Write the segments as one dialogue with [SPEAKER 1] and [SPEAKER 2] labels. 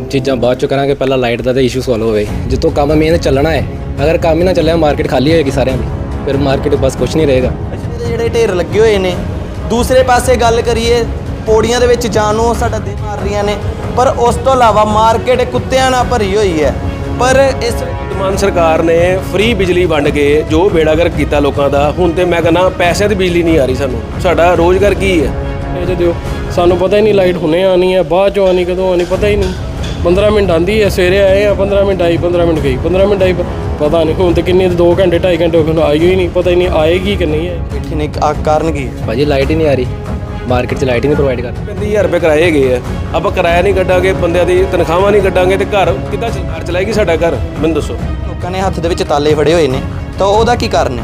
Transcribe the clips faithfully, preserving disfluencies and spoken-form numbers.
[SPEAKER 1] चीज़ां बाद चो करांगे, पहला लाइट का तो इशू सॉल्व होवे। जितों काम मेन चलना है, अगर काम ही ना चलिया मार्केट खाली होएगी सारिਆਂ ਦੀ, फिर मार्केट बस कुछ नहीं रहेगा।
[SPEAKER 2] ਜਿਹੜੇ ਢੇਰ ਲੱਗੇ ਹੋਏ ਨੇ, ਦੂਸਰੇ ਪਾਸੇ ਗੱਲ ਕਰੀਏ ਪੌੜੀਆਂ ਦੇ ਵਿੱਚ ਜਾਣ ਨੂੰ ਸਾਡਾ ਦਿਲ ਮਾਰ ਰਹੀਆਂ ਨੇ, ਪਰ ਉਸ ਤੋਂ ਇਲਾਵਾ ਮਾਰਕੀਟ ਕੁੱਤਿਆਂ ਨਾਲ ਭਰੀ ਹੋਈ ਹੈ। ਪਰ ਇਸ
[SPEAKER 3] ਮਾਨ ਸਰਕਾਰ ਨੇ ਫ੍ਰੀ ਬਿਜਲੀ ਵੰਡ ਕੇ ਜੋ ਬੇੜਾਗਰਕ ਕੀਤਾ ਲੋਕਾਂ ਦਾ, ਹੁਣ ਤੇ ਮੈਂ ਕਹਿੰਦਾ ਪੈਸਿਆਂ ਦੀ ਬਿਜਲੀ ਨਹੀਂ ਆ ਰਹੀ ਸਾਨੂੰ। ਸਾਡਾ ਰੋਜ਼ਗਾਰ ਕੀ ਹੈ
[SPEAKER 4] ਇਹ ਜੇ ਦਿਓ, ਸਾਨੂੰ ਪਤਾ ਹੀ ਨਹੀਂ ਲਾਈਟ ਹੁਣੇ ਆਣੀ ਹੈ, ਬਾਅਦ ਚੋਂ ਆਣੀ ਕਦੋਂ ਆਣੀ ਪਤਾ ਹੀ ਨਹੀਂ। ਪੰਦਰਾਂ ਮਿੰਟ ਆਉਂਦੀ ਹੈ, ਸਵੇਰੇ ਆਏ ਆ ਪੰਦਰਾਂ ਮਿੰਟ ਆਈ, ਪੰਦਰਾਂ ਮਿੰਟ ਗਈ, ਪੰਦਰਾਂ ਮਿੰਟ ਆਈ, ਪਤਾ ਨਹੀਂ ਹੁਣ ਤੇ ਕਿੰਨੇ ਦੋ ਘੰਟੇ ਢਾਈ ਘੰਟੇ ਹੋ ਗਏ, ਆਈ ਹੀ ਨਹੀਂ, ਪਤਾ ਹੀ ਨਹੀਂ ਆਏਗੀ ਕਿ ਨਹੀਂ ਆਏਗੀ।
[SPEAKER 2] ਬੈਠੇ ਨੇ ਆ ਕਾਰਨ ਕੀ ਹੈ?
[SPEAKER 1] भाजी लाइट ही नहीं आ रही, मार्केट 'ਚ ਲਾਈਟ ਹੀ ਨਹੀਂ ਪ੍ਰੋਵਾਈਡ ਕਰ।
[SPEAKER 3] ਪੈਂਤੀ ਹਜ਼ਾਰ ਰੁਪਏ ਕਿਰਾਏ ਗਏ ਆ, ਆਪਾਂ ਕਿਰਾਇਆ ਨਹੀਂ ਕੱਢਾਂਗੇ, ਬੰਦਿਆਂ ਦੀ ਤਨਖਾਹਾਂ ਨਹੀਂ ਕੱਢਾਂਗੇ ਤੇ ਘਰ ਕਿੱਦਾਂ ਘਰ ਚਲਾਏਗੀ ਸਾਡਾ ਘਰ? ਮੈਨੂੰ ਦੱਸੋ।
[SPEAKER 2] ਲੋਕਾਂ ਨੇ ਹੱਥ ਦੇ ਵਿੱਚ ਤਾਲੇ ਫੜੇ ਹੋਏ ਨੇ, ਤਾਂ ਉਹਦਾ ਕੀ ਕਾਰਨ ਹੈ?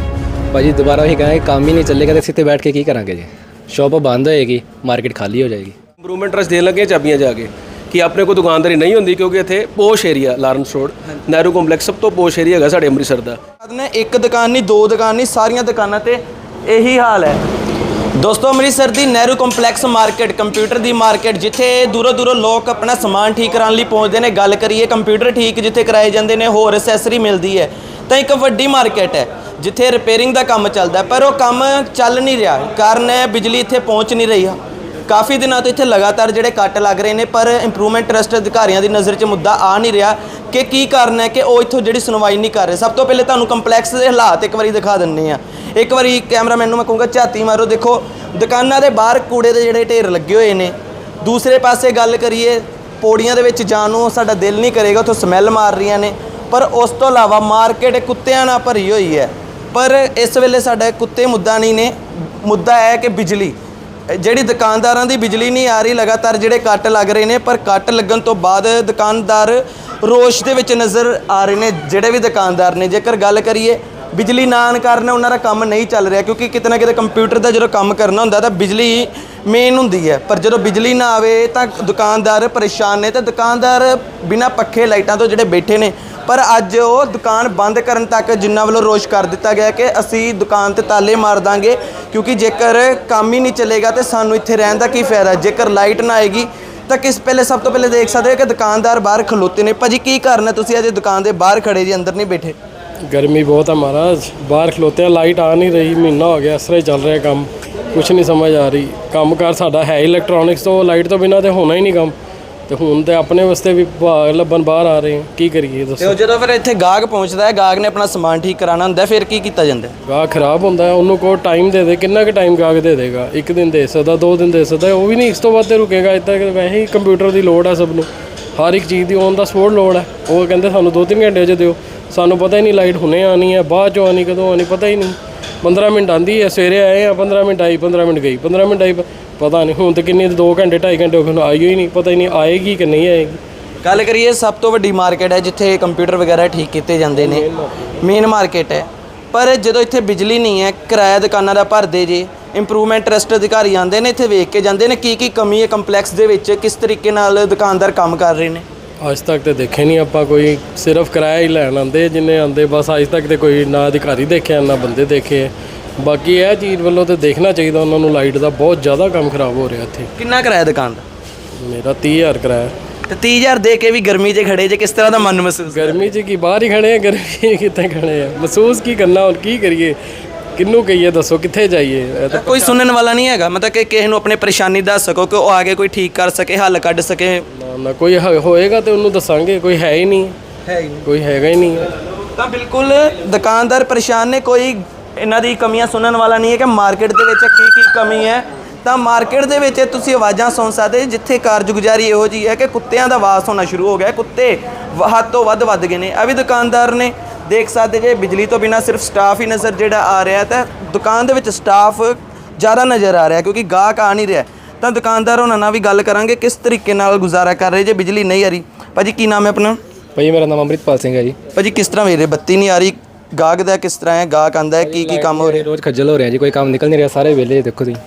[SPEAKER 1] भाजी दोबारा वही कहें काम ही नहीं चलेगा तो सीधे बैठ के की करांगे जी? शॉप बंद होएगी, मार्केट खाली हो जाएगी।
[SPEAKER 3] ਇੰਪਰੂਵਮੈਂਟ ਟਰਸਟ ਦੇਣ ਲੱਗੇ ਚਾਬੀਆਂ ਜਾ ਕੇ ਕਿ ਆਪਣੇ ਕੋਲ ਦੁਕਾਨਦਾਰੀ ਨਹੀਂ ਹੁੰਦੀ, ਕਿਉਂਕਿ ਇੱਥੇ posh area Lawrence Road Nehru complex ਸਭ ਤੋਂ ਪੋਸ਼ ਏਰੀਆ ਹੈਗਾ ਸਾਡੇ ਅੰਮ੍ਰਿਤਸਰ ਦਾ।
[SPEAKER 2] ਨੇ ਇੱਕ ਦੁਕਾਨ ਨਹੀਂ, ਦੋ ਦੁਕਾਨ ਨਹੀਂ, ਸਾਰੀਆਂ ਦੁਕਾਨਾਂ ਤੇ ਇਹੀ ਹਾਲ ਹੈ। ਦੋਸਤੋ ਅੰਮ੍ਰਿਤਸਰ ਦੀ ਨਹਿਰੂ ਕੰਪਲੈਕਸ ਮਾਰਕੀਟ, ਕੰਪਿਊਟਰ ਦੀ ਮਾਰਕੀਟ, ਜਿੱਥੇ ਦੂਰੋਂ ਦੂਰੋਂ ਲੋਕ ਆਪਣਾ ਸਮਾਨ ਠੀਕ ਕਰਾਉਣ ਲਈ ਪਹੁੰਚਦੇ ਨੇ। ਗੱਲ ਕਰੀਏ ਕੰਪਿਊਟਰ ਠੀਕ ਜਿੱਥੇ ਕਰਾਏ ਜਾਂਦੇ ਨੇ, ਹੋਰ ਐਸੈਸਰੀ ਮਿਲਦੀ ਹੈ, ਤਾਂ ਇੱਕ ਵੱਡੀ ਮਾਰਕੀਟ ਹੈ ਜਿੱਥੇ ਰਿਪੇਅਰਿੰਗ ਦਾ ਕੰਮ ਚੱਲਦਾ, ਪਰ ਉਹ ਕੰਮ ਚੱਲ ਨਹੀਂ ਰਿਹਾ। ਕਾਰਨ ਹੈ ਬਿਜਲੀ ਇੱਥੇ ਪਹੁੰਚ ਨਹੀਂ ਰਹੀ। ਕਾਫੀ ਦਿਨਾਂ ਤੋਂ ਇੱਥੇ ਲਗਾਤਾਰ ਜਿਹੜੇ ਕੱਟ ਲੱਗ ਰਹੇ ਨੇ, ਪਰ ਇੰਪਰੂਵਮੈਂਟ ਟਰਸਟ ਅਧਿਕਾਰੀਆਂ ਦੀ ਨਜ਼ਰ 'ਚ ਮੁੱਦਾ ਆ ਨਹੀਂ ਰਿਹਾ ਕਿ ਕੀ ਕਾਰਨ ਹੈ ਕਿ ਉਹ ਇੱਥੋਂ ਜਿਹੜੀ ਸੁਣਵਾਈ ਨਹੀਂ ਕਰ ਰਹੇ। ਸਭ ਤੋਂ ਪਹਿਲੇ ਤੁਹਾਨੂੰ ਕੰਪਲੈਕਸ ਦੇ ਹਾਲਾਤ ਇੱਕ ਵਾਰੀ ਦਿਖਾ ਦਿੰਦੇ ਆ। ਇੱਕ ਵਾਰੀ ਕੈਮਰਾਮੈਨ ਨੂੰ ਮੈਂ ਕਹੂੰਗਾ ਝਾਤੀ ਮਾਰੋ। ਦੇਖੋ ਦੁਕਾਨਾਂ ਦੇ ਬਾਹਰ ਕੂੜੇ ਦੇ ਜਿਹੜੇ ਢੇਰ ਲੱਗੇ ਹੋਏ ਨੇ। ਦੂਸਰੇ ਪਾਸੇ ਗੱਲ ਕਰੀਏ ਪੌੜੀਆਂ ਦੇ ਵਿੱਚ ਜਾਣ ਨੂੰ ਸਾਡਾ ਦਿਲ ਨਹੀਂ ਕਰੇਗਾ, ਉੱਥੋਂ ਸਮੈਲ ਮਾਰ ਰਹੀਆਂ ਨੇ। ਪਰ ਉਸ ਤੋਂ ਇਲਾਵਾ ਮਾਰਕੀਟ ਕੁੱਤਿਆਂ ਨਾਲ ਭਰੀ ਹੋਈ ਹੈ। ਪਰ ਇਸ ਵੇਲੇ ਸਾਡਾ ਕੁੱਤੇ ਮੁੱਦਾ ਨਹੀਂ ਨੇ, ਮੁੱਦਾ ਹੈ ਕਿ ਬਿਜਲੀ ਜਿਹੜੀ ਦੁਕਾਨਦਾਰਾਂ ਦੀ ਬਿਜਲੀ ਨਹੀਂ ਆ ਰਹੀ। ਲਗਾਤਾਰ ਜਿਹੜੇ ਕੱਟ ਲੱਗ ਰਹੇ ਨੇ, ਪਰ ਕੱਟ ਲੱਗਣ ਤੋਂ ਬਾਅਦ ਦੁਕਾਨਦਾਰ ਰੋਸ਼ ਦੇ ਵਿੱਚ ਨਜ਼ਰ ਆ ਰਹੇ ਨੇ। ਜਿਹੜੇ ਵੀ ਦੁਕਾਨਦਾਰ ਨੇ, ਜੇਕਰ ਗੱਲ ਕਰੀਏ ਬਿਜਲੀ ਨਾ ਆਉਣ ਕਾਰਨ ਉਹਨਾਂ ਦਾ ਕੰਮ ਨਹੀਂ ਚੱਲ ਰਿਹਾ, ਕਿਉਂਕਿ ਕਿਤੇ ਨਾ ਕਿਤੇ ਕੰਪਿਊਟਰ ਦਾ ਜਦੋਂ ਕੰਮ ਕਰਨਾ ਹੁੰਦਾ ਤਾਂ ਬਿਜਲੀ ਮੇਨ ਹੁੰਦੀ ਹੈ। ਪਰ ਜਦੋਂ ਬਿਜਲੀ ਨਾ ਆਵੇ ਤਾਂ ਦੁਕਾਨਦਾਰ ਪਰੇਸ਼ਾਨ ਨੇ, ਤੇ ਦੁਕਾਨਦਾਰ ਬਿਨਾਂ ਪੱਖੇ ਲਾਈਟਾਂ ਤੋਂ ਜਿਹੜੇ ਬੈਠੇ ਨੇ। ਪਰ ਅੱਜ ਉਹ ਦੁਕਾਨ ਬੰਦ ਕਰਨ ਤੱਕ ਜਿਨ੍ਹਾਂ ਵੱਲੋਂ ਰੋਸ਼ ਕਰ ਦਿੱਤਾ ਗਿਆ ਕਿ ਅਸੀਂ ਦੁਕਾਨ ਤੇ ਤਾਲੇ ਮਾਰ ਦਾਂਗੇ, ਕਿਉਂਕਿ ਜੇਕਰ ਕੰਮ ਹੀ ਨਹੀਂ ਚੱਲੇਗਾ ਤੇ ਸਾਨੂੰ ਇੱਥੇ ਰਹਿਣ ਦਾ ਕੀ ਫਾਇਦਾ। ਜੇਕਰ ਲਾਈਟ ਨਾ ਆਏਗੀ ਤਾਂ ਕਿਸ ਪਹਿਲੇ ਸਭ ਤੋਂ ਪਹਿਲੇ ਦੇਖ ਸਕਦੇ ਹੋ ਕਿ ਦੁਕਾਨਦਾਰ ਬਾਹਰ ਖਲੋਤੇ ਨੇ। ਭਾਜੀ ਕੀ ਕਾਰਨ ਹੈ ਤੁਸੀਂ ਅਜੇ ਦੁਕਾਨ ਦੇ ਬਾਹਰ ਖੜੇ ਜੀ, ਅੰਦਰ ਨਹੀਂ ਬੈਠੇ?
[SPEAKER 4] गर्मी बहुत है महाराज, बाहर खलोते हैं, लाइट आ नहीं रही, महीना हो गया इस तरह ही चल रहा है काम, कुछ नहीं समझ आ रही। काम कार साडा है इलैक्ट्रॉनिक्स, तो लाइट तो बिना तो होना ही नहीं काम। ਤੇ ਹੁਣ ਤੇ ਆਪਣੇ ਵਾਸਤੇ ਵੀ ਲੱਭਣ ਬਾਹਰ ਆ ਰਹੇ ਕੀ ਕਰੀਏ ਦੱਸੋ।
[SPEAKER 2] ਤੇ ਜਦੋਂ ਫਿਰ ਇੱਥੇ ਗਾਹਕ ਪਹੁੰਚਦਾ ਹੈ, ਗਾਹਕ ਨੇ ਆਪਣਾ ਸਮਾਨ ਠੀਕ ਕਰਾਉਣਾ ਹੁੰਦਾ, ਫਿਰ ਕੀ ਕੀਤਾ ਜਾਂਦਾ?
[SPEAKER 4] ਗਾਹਕ ਖਰਾਬ ਹੁੰਦਾ ਹੈ, ਉਹਨੂੰ ਕੋ ਟਾਈਮ ਦੇ ਦੇ। ਕਿੰਨਾ ਕੁ ਟਾਈਮ ਗਾਹਕ ਦੇ ਦੇਗਾ? ਇੱਕ ਦਿਨ ਦੇ ਸਕਦਾ, ਦੋ ਦਿਨ ਦੇ ਸਕਦਾ, ਉਹ ਵੀ ਨਹੀਂ। ਇਸ ਤੋਂ ਵੱਧ ਤੇ ਰੁਕੇਗਾ। ਇੱਦਾਂ ਕਿ ਵੈਸੇ ਹੀ ਕੰਪਿਊਟਰ ਦੀ ਲੋੜ ਹੈ ਸਭ ਨੂੰ, ਹਰ ਇੱਕ ਚੀਜ਼ ਦੀ ਔਨ ਦਾ ਸਪੋਰਟ ਲੋੜ ਹੈ। ਉਹ ਕਹਿੰਦੇ ਸਾਨੂੰ ਦੋ ਤਿੰਨ ਘੰਟੇ 'ਚ ਦਿਓ, ਸਾਨੂੰ ਪਤਾ ਹੀ ਨਹੀਂ ਲਾਈਟ ਹੁਣੇ ਆਣੀ ਹੈ, ਬਾਅਦ ਚੋਂ ਆਣੀ ਕਦੋਂ ਆਣੀ ਪਤਾ ਹੀ ਨਹੀਂ। ਪੰਦਰਾਂ ਮਿੰਟ ਆਉਂਦੀ ਹੈ, ਸਵੇਰੇ ਆਏ ਆ ਪੰਦਰਾਂ ਮਿੰਟ ਆਈ, ਪੰਦਰਾਂ ਮਿੰਟ ਗਈ, ਪੰਦਰਾਂ ਮਿੰਟ ਆਈ, ਪਤਾ ਨਹੀਂ ਹੁਣ ਤੇ ਕਿੰਨੇ ਦੋ ਘੰਟੇ ਢਾਈ ਘੰਟੇ ਹੋ ਗਏ, ਆਈ ਹੀ ਨਹੀਂ, ਪਤਾ ਹੀ ਨਹੀਂ ਆਏਗੀ ਕਿ ਨਹੀਂ ਆਏਗੀ।
[SPEAKER 2] ਗੱਲ ਕਰੀਏ ਸਭ ਤੋਂ ਵੱਡੀ ਮਾਰਕੀਟ ਹੈ ਜਿੱਥੇ ਕੰਪਿਊਟਰ ਵਗੈਰਾ ਠੀਕ ਕੀਤੇ ਜਾਂਦੇ ਨੇ, ਮੇਨ ਮਾਰਕੀਟ ਹੈ। ਪਰ ਜਦੋਂ ਇੱਥੇ ਬਿਜਲੀ ਨਹੀਂ ਹੈ, ਕਿਰਾਇਆ ਦੁਕਾਨਾਂ ਦਾ ਭਰਦੇ ਜੇ। ਇੰਪਰੂਵਮੈਂਟ ਟਰਸਟ ਅਧਿਕਾਰੀ ਆਉਂਦੇ ਨੇ, ਇੱਥੇ ਵੇਖ ਕੇ ਜਾਂਦੇ ਨੇ ਕੀ ਕੀ ਕਮੀ ਹੈ ਕੰਪਲੈਕਸ ਦੇ ਵਿੱਚ, ਕਿਸ ਤਰੀਕੇ ਨਾਲ ਦੁਕਾਨਦਾਰ ਕੰਮ ਕਰ ਰਹੇ ਨੇ।
[SPEAKER 4] ਅੱਜ ਤੱਕ ਤੇ ਦੇਖੇ ਨਹੀਂ ਆਪਾਂ, ਕੋਈ ਸਿਰਫ ਕਿਰਾਇਆ ਹੀ ਲੈਣ ਆਉਂਦੇ ਜਿੰਨੇ ਆਉਂਦੇ, ਬਸ ਅੱਜ ਤੱਕ ਤੇ ਕੋਈ ਨਾ ਅਧਿਕਾਰੀ ਦੇਖਿਆ ਨਾ ਬੰਦੇ ਦੇਖੇ। ਬਾਕੀ ਇਹ ਚੀਜ਼ ਵੱਲੋਂ ਤੇ ਦੇਖਣਾ ਚਾਹੀਦਾ ਉਹਨਾਂ ਨੂੰ, ਲਾਈਟ ਦਾ ਬਹੁਤ ਜ਼ਿਆਦਾ ਕੰਮ ਖਰਾਬ ਹੋ ਰਿਹਾ ਇੱਥੇ।
[SPEAKER 2] ਕਿੰਨਾ ਕਿਰਾਇਆ ਦੁਕਾਨ ਦਾ?
[SPEAKER 4] ਮੇਰਾ ਤੀਹ ਹਜ਼ਾਰ ਕਿਰਾਇਆ।
[SPEAKER 2] ਤੇ ਤੀਹ ਹਜ਼ਾਰ ਦੇ ਕੇ ਵੀ ਗਰਮੀ 'ਚ ਖੜੇ ਜੇ, ਕਿਸ ਤਰ੍ਹਾਂ ਦਾ ਮਨ ਮਹਿਸੂਸ?
[SPEAKER 4] ਗਰਮੀ 'ਚ ਕੀ ਬਾਹਰ ਹੀ ਖੜੇ ਆ, ਗਰਮੀ ਕਿੱਥੇ ਖੜੇ ਆ? ਮਹਿਸੂਸ ਕੀ ਕਰਨਾ, ਹੁਣ ਕੀ ਕਰੀਏ, ਕਿਹਨੂੰ ਕਹੀਏ ਦੱਸੋ, ਕਿੱਥੇ ਜਾਈਏ? ਇਹ ਤਾਂ
[SPEAKER 2] ਕੋਈ ਸੁਣਨ ਵਾਲਾ ਨਹੀਂ ਹੈਗਾ, ਮਤਲਬ ਕਿ ਕਿਸੇ ਨੂੰ ਆਪਣੀ ਪਰੇਸ਼ਾਨੀ ਦੱਸ ਸਕੋ ਕਿ ਉਹ ਆ ਕੇ ਕੋਈ ਠੀਕ ਕਰ ਸਕੇ, ਹੱਲ ਕੱਢ ਸਕੇ?
[SPEAKER 4] ਨਾ ਨਾ ਕੋਈ ਹ- ਹੋਏਗਾ ਤੇ ਉਹਨੂੰ ਦੱਸਾਂਗੇ, ਕੋਈ ਹੈ ਹੀ ਨਹੀਂ,
[SPEAKER 2] ਹੈ ਹੀ ਨਹੀਂ,
[SPEAKER 4] ਕੋਈ ਹੈਗਾ ਹੀ ਨਹੀਂ।
[SPEAKER 2] ਤਾਂ ਬਿਲਕੁਲ ਦੁਕਾਨਦਾਰ ਪਰੇਸ਼ਾਨ ਨੇ। ਕੋਈ ਇਹਨਾਂ ਦੀ ਕਮੀਆਂ ਸੁਣਨ ਵਾਲਾ ਨਹੀਂ ਹੈ ਕਿ ਮਾਰਕੀਟ ਦੇ ਵਿੱਚ ਕੀ ਕੀ ਕਮੀ ਹੈ। ਤਾਂ ਮਾਰਕੀਟ ਦੇ ਵਿੱਚ ਤੁਸੀਂ ਆਵਾਜ਼ਾਂ ਸੁਣ ਸਕਦੇ, ਜਿੱਥੇ ਕਾਰਜਗੁਜ਼ਾਰੀ ਇਹੋ ਜਿਹੀ ਹੈ ਕਿ ਕੁੱਤਿਆਂ ਦਾ ਵਾਸ ਹੋਣਾ ਸ਼ੁਰੂ ਹੋ ਗਿਆ। ਕੁੱਤੇ ਹੱਦ ਤੋਂ ਵੱਧ ਵੱਧ ਗਏ ਨੇ। ਇਹ ਵੀ ਦੁਕਾਨਦਾਰ ਨੇ, ਦੇਖ ਸਕਦੇ ਜੇ ਬਿਜਲੀ ਤੋਂ ਬਿਨਾਂ ਸਿਰਫ ਸਟਾਫ ਹੀ ਨਜ਼ਰ ਜਿਹੜਾ ਆ ਰਿਹਾ, ਤਾਂ ਦੁਕਾਨ ਦੇ ਵਿੱਚ ਸਟਾਫ ਜ਼ਿਆਦਾ ਨਜ਼ਰ ਆ ਰਿਹਾ ਕਿਉਂਕਿ ਗਾਹਕ ਆ ਨਹੀਂ ਰਿਹਾ। ਤਾਂ ਦੁਕਾਨਦਾਰ ਉਹਨਾਂ ਨਾਲ ਵੀ ਗੱਲ ਕਰਾਂਗੇ ਕਿਸ ਤਰੀਕੇ ਨਾਲ ਗੁਜ਼ਾਰਾ ਕਰ ਰਹੇ ਜੇ ਬਿਜਲੀ ਨਹੀਂ ਆ ਰਹੀ। ਭਾਜੀ ਕੀ ਨਾਮ ਹੈ ਆਪਣਾ?
[SPEAKER 1] ਭਾਜੀ ਮੇਰਾ ਨਾਮ ਅੰਮ੍ਰਿਤਪਾਲ ਸਿੰਘ ਹੈ ਜੀ।
[SPEAKER 2] ਭਾਜੀ ਕਿਸ ਤਰ੍ਹਾਂ ਵੇਰੇ ਬੱਤੀ ਨਹੀਂ ਆ ਰਹੀ, ਗਾਹਕ ਦਾ ਕਿਸ ਤਰ੍ਹਾਂ ਹੈ? ਗਾਹਕ ਆਂਦਾ ਹੈ, ਕੀ ਕੀ ਕੰਮ ਹੋ ਰਿਹਾ?
[SPEAKER 1] ਰੋਜ਼ ਖੱਜਲ ਹੋ ਰਿਹਾ ਜੀ, ਕੋਈ ਕੰਮ ਨਿਕਲ ਨਹੀਂ ਰਿਹਾ, ਸਾਰੇ ਵਿਹਲੇ ਦੇਖੋ ਤੁਸੀਂ।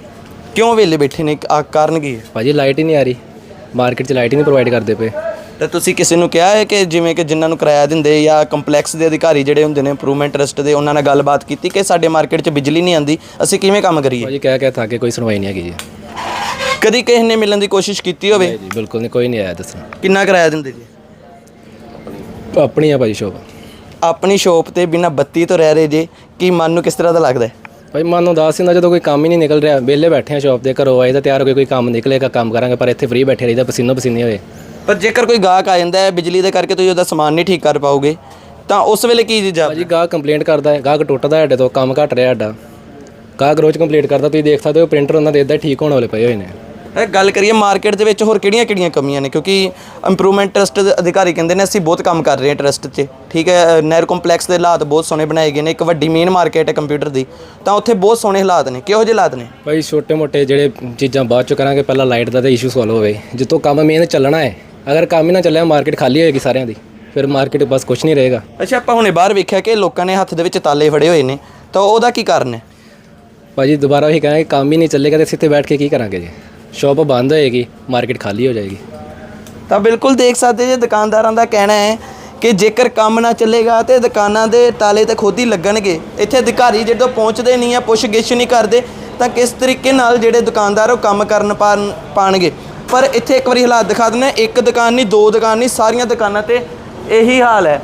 [SPEAKER 2] ਕਿਉਂ ਵਿਹਲੇ ਬੈਠੇ ਨੇ, ਆ ਕਾਰਨ ਕੀ ਹੈ?
[SPEAKER 1] ਭਾਜੀ ਲਾਈਟ ਹੀ ਨਹੀਂ ਆ ਰਹੀ, ਮਾਰਕੀਟ 'ਚ ਲਾਈਟ ਹੀ ਨਹੀਂ ਪ੍ਰੋਵਾਈਡ ਕਰਦੇ ਪਏ।
[SPEAKER 2] ਤਾਂ ਤੁਸੀਂ ਕਿਸੇ ਨੂੰ ਕਿਹਾ ਹੈ ਕਿ ਜਿਵੇਂ ਕਿ ਜਿਨ੍ਹਾਂ ਨੂੰ ਕਿਰਾਇਆ ਦਿੰਦੇ ਜਾਂ ਕੰਪਲੈਕਸ ਦੇ ਅਧਿਕਾਰੀ ਜਿਹੜੇ ਹੁੰਦੇ ਨੇ ਇੰਪਰੂਵਮੈਂਟ ਟਰਸਟ ਦੇ, ਉਹਨਾਂ ਨਾਲ ਗੱਲਬਾਤ ਕੀਤੀ ਕਿ ਸਾਡੇ ਮਾਰਕੀਟ 'ਚ ਬਿਜਲੀ ਨਹੀਂ ਆਉਂਦੀ, ਅਸੀਂ ਕਿਵੇਂ ਕੰਮ ਕਰੀਏ?
[SPEAKER 1] ਭਾਜੀ ਕਹਿ ਕਹਿ ਥੱਕ ਕੇ ਕੋਈ ਸੁਣਵਾਈ ਨਹੀਂ ਹੈਗੀ ਜੀ।
[SPEAKER 2] ਕਦੀ ਕਿਸੇ ਨੇ ਮਿਲਣ ਦੀ ਕੋਸ਼ਿਸ਼ ਕੀਤੀ ਹੋਵੇ?
[SPEAKER 1] ਨਹੀਂ ਜੀ ਬਿਲਕੁਲ ਨਹੀਂ, ਕੋਈ ਨਹੀਂ ਆਇਆ ਦੱਸਣ।
[SPEAKER 2] ਕਿੰਨਾ ਕਿਰਾਇਆ ਦਿੰਦੇ ਜੀ?
[SPEAKER 1] ਆਪਣੀ ਆ ਭਾਜੀ ਸ਼ੋਪ।
[SPEAKER 2] ਆਪਣੀ ਸ਼ੋਪ ਤੇ ਬਿਨਾਂ ਬੱਤੀ ਤੋਂ ਰਹਿ ਰਹੇ ਜੇ, ਕੀ ਮਨ ਨੂੰ ਕਿਸ ਤਰ੍ਹਾਂ ਦਾ ਲੱਗਦਾ ਹੈ?
[SPEAKER 1] ਭਾਈ ਮਨ ਉਦਾਸ ਹੁੰਦਾ ਜਦੋਂ ਕੋਈ ਕੰਮ ਹੀ ਨਹੀਂ ਨਿਕਲ ਰਿਹਾ। ਵਿਹਲੇ ਬੈਠੇ ਆ ਸ਼ੋਪ ਤੇ, ਘਰੋਂ ਆਏ ਤਾਂ ਤਿਆਰ ਹੋ ਕੇ ਕੋਈ ਕੰਮ ਨਿਕਲੇਗਾ ਕੰਮ ਕਰਾਂਗੇ, ਪਰ ਇੱਥੇ ਫ੍ਰੀ ਬੈਠੇ ਰਹੀਦਾ ਪਸੀਨੋ ਪਸੀਨੇ ਹੋਏ।
[SPEAKER 2] ਪਰ ਜੇਕਰ ਕੋਈ ਗਾਹਕ ਆ ਜਾਂਦਾ ਹੈ ਬਿਜਲੀ ਦੇ ਕਰਕੇ ਤੁਸੀਂ ਉਹਦਾ ਸਮਾਨ ਨਹੀਂ ਠੀਕ ਕਰ ਪਾਓਗੇ ਤਾਂ ਉਸ ਵੇਲੇ ਕੀ ਜੀ
[SPEAKER 1] ਭਾਜੀ ਗਾਹਕ ਕੰਪਲੇਂਟ ਕਰਦਾ ਹੈ, ਗਾਹਕ ਟੁੱਟਦਾ ਸਾਡੇ ਤੋਂ, ਕੰਮ ਘਟ ਰਿਹਾ ਸਾਡਾ। ਗਾਹਕ ਰੋਜ਼ ਕੰਪਲੇਂਟ ਕਰਦਾ, ਤੁਸੀਂ ਦੇਖ ਸਕਦੇ ਹੋ ਪ੍ਰਿੰਟਰ ਉਹਨਾਂ ਦੇ ਇੱਦਾਂ ਠੀਕ ਹੋਣ ਵਾਲੇ ਪਏ ਹੋਏ ਨੇ।
[SPEAKER 2] ਇਹ ਗੱਲ ਕਰੀਏ ਮਾਰਕੀਟ ਦੇ ਵਿੱਚ ਹੋਰ ਕਿਹੜੀਆਂ-ਕਿਹੜੀਆਂ ਕਮੀਆਂ ਨੇ, ਕਿਉਂਕਿ ਇੰਪਰੂਵਮੈਂਟ ਟਰਸਟ ਦੇ ਅਧਿਕਾਰੀ ਕਹਿੰਦੇ ਨੇ ਅਸੀਂ ਬਹੁਤ ਕੰਮ ਕਰ ਰਹੇ ਹਾਂ ਟਰਸਟ 'ਚ, ਠੀਕ ਹੈ। ਨਹਿਰੂ ਕੰਪਲੈਕਸ ਦੇ ਹਾਲਾਤ ਬਹੁਤ ਸੋਹਣੇ ਬਣਾਏ ਗਏ ਨੇ, ਇੱਕ ਵੱਡੀ ਮੇਨ ਮਾਰਕੀਟ ਹੈ ਕੰਪਿਊਟਰ ਦੀ, ਤਾਂ ਉੱਥੇ ਬਹੁਤ ਸੋਹਣੇ ਹਾਲਾਤ ਨੇ। ਕਿਹੋ ਜਿਹੇ ਹਾਲਾਤ ਨੇ?
[SPEAKER 1] ਭਾਈ ਛੋਟੇ ਮੋਟੇ ਜਿਹੜੇ ਚੀਜ਼ਾਂ ਬਾਅਦ ਚ ਕਰਾਂਗੇ, ਪਹਿਲਾਂ ਲਾਈਟ ਦਾ ਤਾਂ ਇਸ਼ੂ ਸੋਲਵ ਹੋਵੇ। ਜਿੱਤੋਂ ਕੰਮ ਮੇਨ ਚੱਲਣਾ ਹੈ, ਅਗਰ ਕੰਮ ਹੀ ਨਾ ਚੱਲਿਆ ਮਾਰਕੀਟ ਖਾਲੀ ਹੋਏਗੀ ਸਾਰਿਆਂ ਦੀ, ਫਿਰ ਮਾਰਕੀਟ ਬਸ ਕੁਝ ਨਹੀਂ ਰਹੇਗਾ।
[SPEAKER 2] ਅੱਛਾ, ਆਪਾਂ ਹੁਣੇ ਬਾਹਰ ਵੇਖਿਆ ਕਿ ਲੋਕਾਂ ਨੇ ਹੱਥ ਦੇ ਵਿੱਚ ਤਾਲੇ ਫੜੇ ਹੋਏ ਨੇ, ਤਾਂ ਉਹਦਾ ਕੀ ਕਾਰਨ ਹੈ?
[SPEAKER 1] ਭਾਜੀ ਦੁਬਾਰਾ ਉਹੀ ਕਹਾਂਗੇ, ਕੰਮ ਹੀ ਨਹੀਂ ਚੱਲੇਗਾ ਤਾਂ ਅਸੀਂ ਇੱਥੇ ਬੈਠ ਕੇ ਕੀ ਕਰਾਂਗੇ ਜੀ। ਸ਼ੌਪ ਬੰਦ ਹੋਏਗੀ, ਮਾਰਕੀਟ ਖਾਲੀ ਹੋ ਜਾਏਗੀ।
[SPEAKER 2] ਤਾਂ ਬਿਲਕੁਲ ਦੇਖ ਸਕਦੇ ਜੇ ਦੁਕਾਨਦਾਰਾਂ ਦਾ ਕਹਿਣਾ ਹੈ ਕਿ ਜੇਕਰ ਕੰਮ ਨਾ ਚੱਲੇਗਾ ਤੇ ਦੁਕਾਨਾਂ ਦੇ ਤਾਲੇ ਤਾਂ ਖੁਦ ਹੀ ਲੱਗਣਗੇ। ਇੱਥੇ ਅਧਿਕਾਰੀ ਜਦੋਂ ਪਹੁੰਚਦੇ ਨਹੀਂ ਆ, ਪੁੱਛ ਗਿੱਛ ਨਹੀਂ ਕਰਦੇ, ਤਾਂ ਕਿਸ ਤਰੀਕੇ ਨਾਲ ਜਿਹੜੇ ਦੁਕਾਨਦਾਰ ਉਹ ਕੰਮ ਕਰਨ ਪਾਣ ਪਾਣਗੇ। ਪਰ ਇੱਥੇ ਇੱਕ ਵਾਰੀ ਹਾਲਾਤ ਦਿਖਾ ਦਿੰਦੇ, ਇੱਕ ਦੁਕਾਨ ਨਹੀਂ, ਦੋ ਦੁਕਾਨ ਨਹੀਂ, ਸਾਰੀਆਂ ਦੁਕਾਨਾਂ ਤੇ ਇਹੀ ਹਾਲ ਹੈ।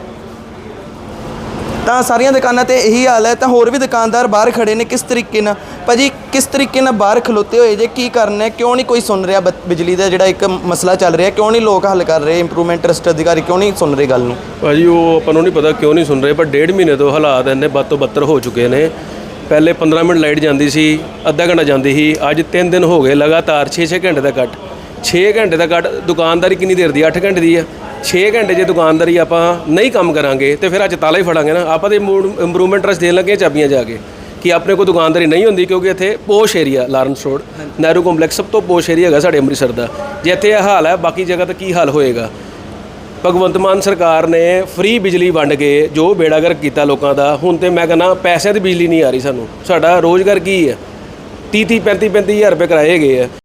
[SPEAKER 2] ਤਾਂ ਸਾਰੀਆਂ ਦੁਕਾਨਾਂ ਤੇ ਇਹੀ ਹਾਲ ਹੈ। ਤਾਂ ਹੋਰ ਵੀ ਦੁਕਾਨਦਾਰ ਬਾਹਰ ਖੜੇ ਨੇ, ਕਿਸ ਤਰੀਕੇ ਨਾਲ ਭਾਜੀ ਕਿਸ ਤਰੀਕੇ ਨਾਲ ਬਾਹਰ ਖਲੋਤੇ ਹੋਏ ਜੇ, ਕੀ ਕਰਨਾ ਹੈ? ਕਿਉਂ ਨਹੀਂ ਕੋਈ ਸੁਣ ਰਿਹਾ? ਬਿਜਲੀ ਦਾ ਜਿਹੜਾ ਇੱਕ ਮਸਲਾ ਚੱਲ ਰਿਹਾ, ਕਿਉਂ ਨਹੀਂ ਲੋਕ ਹੱਲ ਕਰ ਰਹੇ? ਇੰਪਰੂਵਮੈਂਟ ਟਰਸਟ ਅਧਿਕਾਰੀ ਕਿਉਂ ਨਹੀਂ ਸੁਣ ਰਹੇ ਗੱਲ ਨੂੰ?
[SPEAKER 3] ਭਾਜੀ ਉਹ ਆਪਾਂ ਨੂੰ ਨਹੀਂ ਪਤਾ ਕਿਉਂ ਨਹੀਂ ਸੁਣ ਰਹੇ, ਪਰ ਡੇਢ ਮਹੀਨੇ ਤੋਂ ਹਾਲਾਤ ਇੰਨੇ ਬਦ ਤੋਂ ਬੱਤਰ ਹੋ ਚੁੱਕੇ ਨੇ। ਪਹਿਲੇ ਪੰਦਰਾਂ ਮਿੰਟ ਲਾਈਟ ਜਾਂਦੀ ਸੀ, ਅੱਧਾ ਘੰਟਾ ਜਾਂਦੀ ਸੀ, ਅੱਜ ਤਿੰਨ ਦਿਨ ਹੋ ਗਏ ਲਗਾਤਾਰ ਛੇ ਛੇ ਘੰਟੇ ਦਾ ਕੱਟ। ਛੇ ਘੰਟੇ ਦਾ ਕੱਟ, ਦੁਕਾਨਦਾਰੀ ਕਿੰਨੀ ਦੇਰ ਦੀ? ਅੱਠ ਘੰਟੇ ਦੀ ਆ। ਛੇ ਘੰਟੇ ਜੇ ਦੁਕਾਨਦਾਰੀ ਆਪਾਂ ਨਹੀਂ ਕੰਮ ਕਰਾਂਗੇ ਤੇ ਫਿਰ ਅੱਜ ਤਾਲਾ ਹੀ ਫੜਾਂਗੇ ਨਾ। ਆਪਾਂ ਤੇ ਇੰਪਰੂਵਮੈਂਟ ਟਰਸਟ ਦੇਣ ਲੱਗੇ ਚਾਬੀਆਂ ਜਾ ਕੇ ਕਿ ਆਪਣੇ ਕੋਲ ਦੁਕਾਨਦਾਰੀ ਨਹੀਂ ਹੁੰਦੀ, ਕਿਉਂਕਿ ਇੱਥੇ posh area Lawrence Road Nehru complex ਸਭ ਤੋਂ ਪੋਸ਼ ਏਰੀਆ ਹੈਗਾ ਸਾਡੇ ਅੰਮ੍ਰਿਤਸਰ ਦਾ। ਜੇ ਇੱਥੇ ਇਹ ਹਾਲ ਹੈ, ਬਾਕੀ ਜਗ੍ਹਾ ਤਾਂ ਕੀ ਹਾਲ ਹੋਏਗਾ? ਭਗਵੰਤ ਮਾਨ ਸਰਕਾਰ ਨੇ ਫ੍ਰੀ ਬਿਜਲੀ ਵੰਡ ਕੇ ਜੋ ਬੇੜਾਗਰ ਕੀਤਾ ਲੋਕਾਂ ਦਾ, ਹੁਣ ਤੇ ਮੈਂ ਕਹਿੰਦਾ ਪੈਸਿਆਂ ਦੀ ਬਿਜਲੀ ਨਹੀਂ ਆ ਰਹੀ ਸਾਨੂੰ। ਸਾਡਾ ਰੋਜ਼ਗਾਰ ਕੀ ਹੈ? ਤੀਹ ਤੀਹ ਪੈਂਤੀ ਪੈਂਤੀ ਹਜ਼ਾਰ ਰੁਪਏ ਕਿਰਾਏ ਹੈਗੇ ਆ।